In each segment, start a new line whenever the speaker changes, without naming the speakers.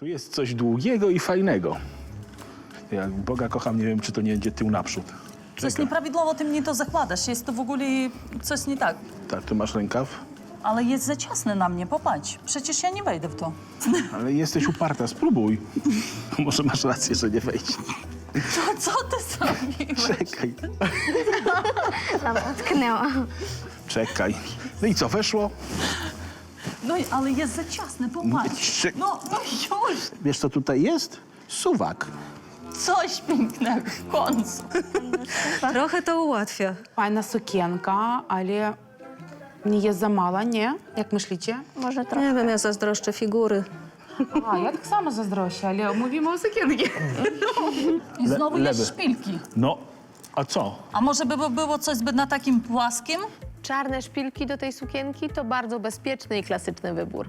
Tu jest coś długiego i fajnego. Jak Boga kocham, nie wiem, czy to nie będzie tył naprzód.
Coś
Czekaj.
nieprawidłowo ty mnie to zakładasz. Jest to w ogóle coś nie tak.
Tak, tu masz rękaw,
Ale jest za ciasne na mnie, popatrz. Przecież ja nie wejdę w to.
ale jesteś uparta, spróbuj. Może masz rację, że nie wejdzie.
To co ty zrobiłeś?
Czekaj,
Dobra, utknęła.
czekaj. No i co, weszło?
No ale jest za ciasne, popatrz. No już!
Wiesz, co tutaj jest? Suwak.
Coś pięknego w końcu.
Trochę to ułatwia.
Fajna sukienka, ale nie jest za mała, nie? Jak myślicie?
Może trochę.
Nie wiem, ja zazdroszczę figury.
A, ja tak samo zazdroszczę, ale mówimy o sukience.
I znowu
lewy.
jest szpilki.
No, a co?
A może by było coś zbyt na takim płaskim?
Czarne szpilki do tej sukienki to bardzo bezpieczny i klasyczny wybór.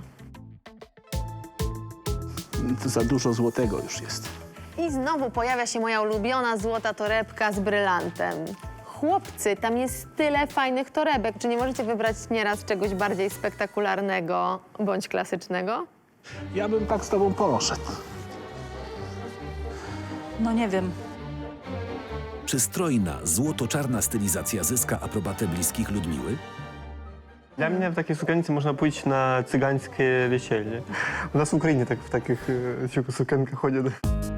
To za dużo złotego już jest.
I znowu pojawia się moja ulubiona złota torebka z brylantem. Chłopcy, tam jest tyle fajnych torebek. Czy nie możecie wybrać nieraz czegoś bardziej spektakularnego bądź klasycznego?
Ja bym tak z tobą poszedł.
No nie wiem.
Czy strojna, złoto-czarna stylizacja zyska aprobatę bliskich Ludmiły?
Dla mnie w takiej sukience można pójść na cygańskie wesele. U nas w Ukrainie tak w takich sukienkach chodzi.